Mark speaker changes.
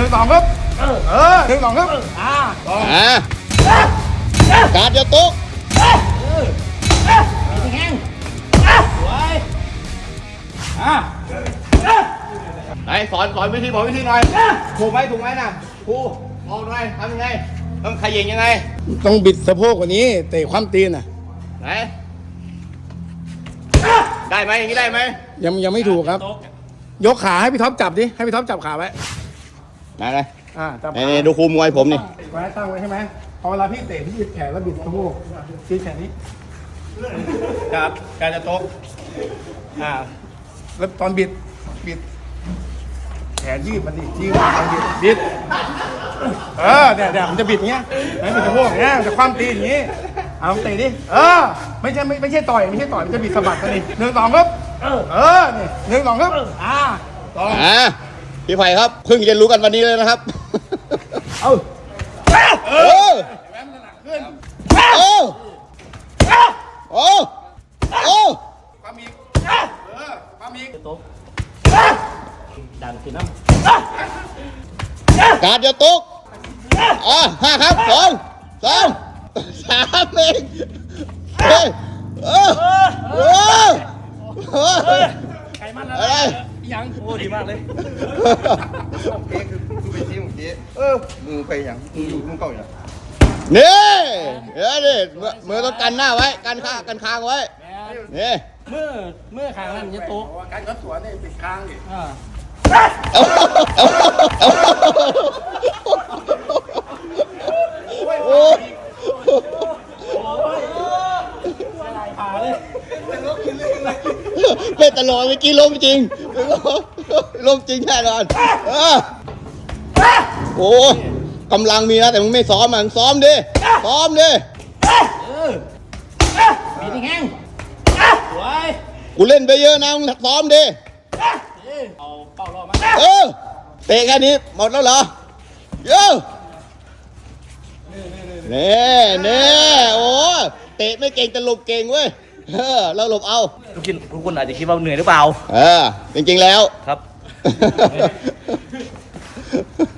Speaker 1: 1 2ครับ1 2ครับ
Speaker 2: การจะตุ๊ก
Speaker 1: แห้งสวย
Speaker 2: ไหนสอนวิธีบอกวิธีหน่อยถูกไหมนะครูบอกหน่อยทำยังไงต้องขยิงยังไง
Speaker 1: ต้องบิดสะโพกกว่านี้เตะความตีนน่ะ
Speaker 2: ไหนได้ไหมอย่างนี้ได้ไหม
Speaker 1: ยังไม่ถูกครับยกขาให้พี่ท็อปจับดิให้พี่ท็อปจับขาไว้
Speaker 2: ไหน
Speaker 1: จับ
Speaker 2: นี่ดูครูมวยผมนี่
Speaker 1: ไว้ตั้งไว้ใช่ไหมพอเวลาพี่เตะพี่บิดแขนแล้วบิดสะโพกบิดแขนนี้ครับการจะโต๊ะแล้วตอนบิดแขนยืดมันดิยืดมันบิดเนี่ยมันจะบิดเงี้ยบิดสะโพกเงี้ยจะคว่ำตีนอย่างงี้เอาเตะดิไม่ใช่ต่อยมันจะบิดสะบัดกันดิ1 2ครับนี่1 2ครับ
Speaker 2: พี่ไผ่ครับเพิ่งเรียนรู้กันวันนี้เลยนะครับ
Speaker 1: ความอีกตุ๊ก
Speaker 2: ดังสิน้ำการจะตุ๊ก5ครับ2 3เอง
Speaker 1: ไก่มันอะไรยังโอ้ดีมากเลย
Speaker 3: คือไปที่เมื่อกี้มึงไปอย่างมึงเก่าอย่าง
Speaker 2: นี่เดี๋ยวดิมือต้องกันหน้าไว้กันคางไว้นี่
Speaker 1: เมื่อคางนั่นจะโต๊ะการกระสวนเนี่ยปิดคางดิ
Speaker 2: โอ้เป็นตลอดเมื่อกี้ล้มจริงแน่นอนโอ้กำลังมีนะแต่มึงไม่ซ้อมมึงซ้อมดิ
Speaker 1: บีบแห้งสวย
Speaker 2: กูเล่นไปเยอะนะมึงซ้อมดิ
Speaker 1: เอาเป้ารอบมา
Speaker 2: เตะแค่นี้หมดแล้วเหรอนี่โอ้เตะไม่เก่งแต่หลบเก่งเว้ยเราหลบเอา
Speaker 3: ทุกคนอาจจะคิดว่าเหนื่อยหรือเปล่า
Speaker 2: จริงๆแล้ว
Speaker 3: ครับ